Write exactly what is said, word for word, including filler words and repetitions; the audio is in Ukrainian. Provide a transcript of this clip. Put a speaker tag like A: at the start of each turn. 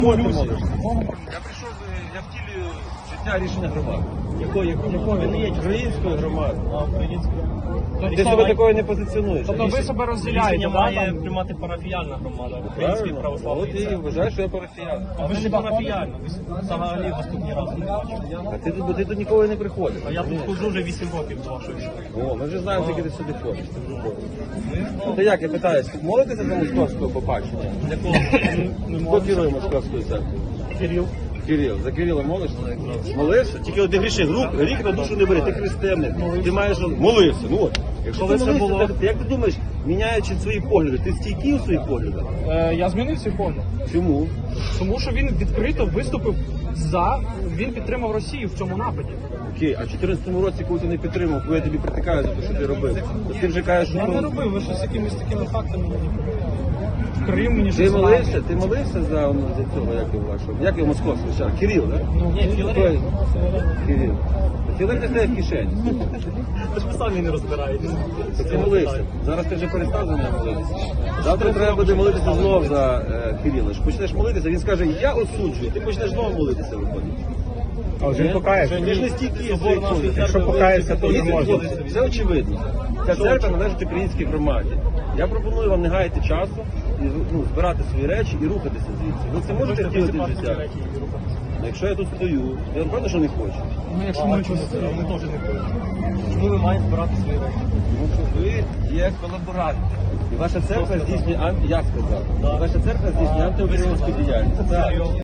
A: Я прийшов, я втілюю життя рішення громади.
B: Якої, якої, якої? Ви не є
A: Української громади.
B: А, української.
A: Ти себе такою не позиціонуєш.
B: Тобто ви себе розділяєте,
C: Рішення
B: да,
C: має
B: там?
C: приймати парафіяльна громада, український
A: Правильно.
C: православний
A: От і
C: церкви.
A: вважаєш, що я парафіян.
C: А ви ж не парафіяльна, ви взагалі вас тут ні разу не бачили.
A: А ти тут, ти тут ніколи не приходив.
C: А я тут ходжу вже вісім років з вашої школи.
A: О, ми вже знаємо, скільки ти сюди ходиш. Ти вже ходиш. Ну, ти як, я питаюсь, молитися за московського побачення?
C: Для кого? Не
A: Хто
C: можу.
A: керує московською церквою?
C: Кирил.
A: Кирил. За Кирила молишся? Молився? Тільки от ти грішиш, рік на душу не бери, ти християnin. Ти маєш молився. Ну от. Якщо
C: Коли
A: ти
C: це
A: молився,
C: було?
A: ти, як ти думаєш, міняючи свої погляди, ти стійкий у своїх поглядах?
B: Е, я змінив свій погляд.
A: Чому?
B: Тому що він відкрито виступив за, він підтримав Росію в цьому нападі.
A: Окей, а в чотирнадцятому році, коли ти не підтримав, коли я тобі притикаю за те, що ти робив, то ти вже кажеш,
B: Я
A: що...
B: не робив, ви що з якимись такими фактами маніпулюєте. Крим мені
A: Ти
B: щось
A: молився,
B: нагадує.
A: ти молився за, ну, за цього, як його вашого, як його московського, ще? Кирил, так?
B: Ну,
C: Ні, Філарет.
A: Кирил. Філарет не стає в кишені.
C: Ви ж ви самі не розбираєтесь.
A: То ти молився. Зараз ти вже перестав за нього молитися. Завтра треба буде молитися знов за е, Кирила. Ж почнеш молитися, він скаже, я осуджую, ти почнеш знову молитися, виходить.
D: А вже він покається.
A: Ти ж не стійкий.
C: Собор нашої
D: Якщо
C: церкви
D: покається, то
A: Ні,
D: не може.
A: Все очевидно. Ця церква належить українській громаді. Я пропоную вам не гаяти часу, і ну, збирати свої речі і рухатися звідси. Ви це можете втілити в життя? Ну, якщо я тут стою, я напевно, що не хочу.
B: Ну, якщо
C: А
B: ми
C: чому
B: щось...
C: ви теж не хочете? Чому ви маєте збирати свої речі?
A: Тому що ви є колаборанти. І ваша церква здійснює анти... Я сказав. Ваша церква здійснює антиукраїнську діяльність. Так.